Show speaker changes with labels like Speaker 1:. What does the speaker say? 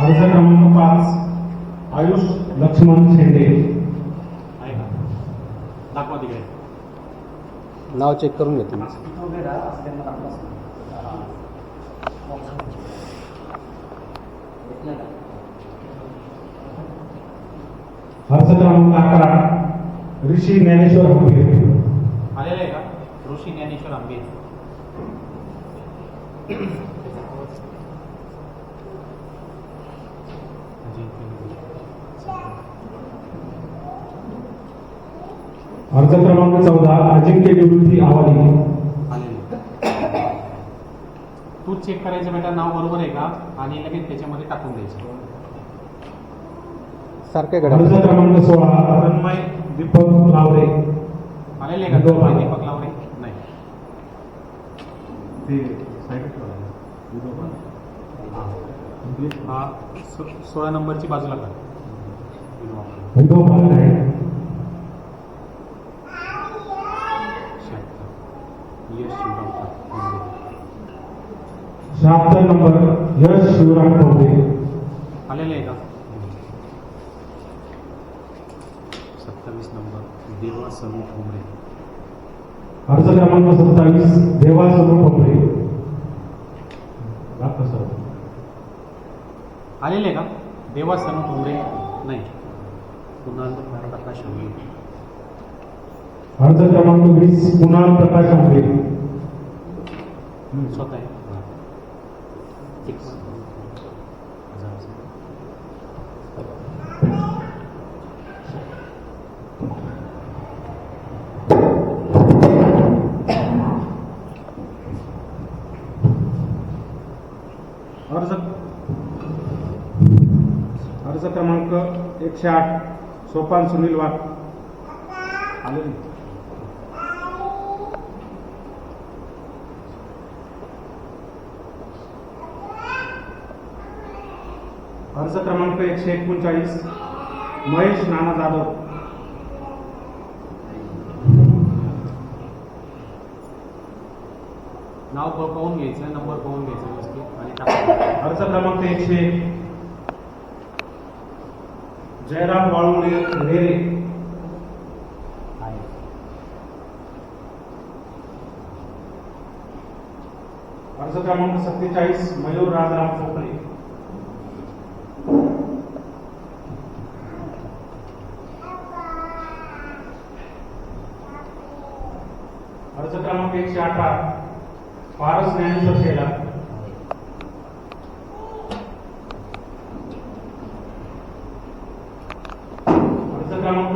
Speaker 1: अर्ज क्रमांक 5 आयुष लक्ष्मण शेंडे.
Speaker 2: आहे का? दाखवा तिकडे.
Speaker 3: नाव चेक करून घेतो.
Speaker 1: अर्ज क्रमांक 11 ऋषी ज्ञानेश्वर हंबीर.
Speaker 2: आलेलं आहे का? ऋषी ज्ञानेश्वर आंबे.
Speaker 1: अर्ज क्रमांक 14 अजिंक्य निवृत्ती आवाली.
Speaker 2: आलेलं. तूच चेक करायचं बेटा, नाव बरोबर आहे का आणि लगेच त्याच्यामध्ये टाकून द्यायचं.
Speaker 3: सारखे
Speaker 1: अर्ज
Speaker 3: घडा.
Speaker 1: क्रमांक 16 तन्मय दीपक लावरे.
Speaker 2: आलेले आहे का? तन्मय दीपक लावरे नाही.
Speaker 1: ते साईड ठेवा.
Speaker 2: हा 16 नंबरची बाजूला का?
Speaker 1: उद्धव बालनाय. 76 नंबर यश शिवराम ठोंबरे.
Speaker 2: आलेले आहे का? 27 नंबर देवा सरू ठोंबरे.
Speaker 1: अर्ज क्रमांक 27 देवा सरू ठोंबरे. Doctor sir.
Speaker 2: आलेले आहे का? देवा सरू ठोंबरे नाही. कुणाल प्रकाश आंबे.
Speaker 1: अर्ज क्रमांक 20 कुणाल प्रकाश आंबे.
Speaker 2: स्वतः आहे.
Speaker 1: अर्ज क्रमांक 108 सोपान सुनील वाघ. आलेले. अर्ज क्रमांक 139 महेश नाना जाधव.
Speaker 2: नाव पाहून घ्यायचं, नंबर पाहून घ्यायचं व्यवस्थित आणि टाकायचं.
Speaker 1: अर्ज क्रमांक 101 जयराम वाळुंगे रेरे. अर्ज क्रमांक 47 मयूर राजाराम चोपडे. अर्ज क्रमांक 118 पारस ज्ञानेश्वर शेलार. अर्ज क्रमांक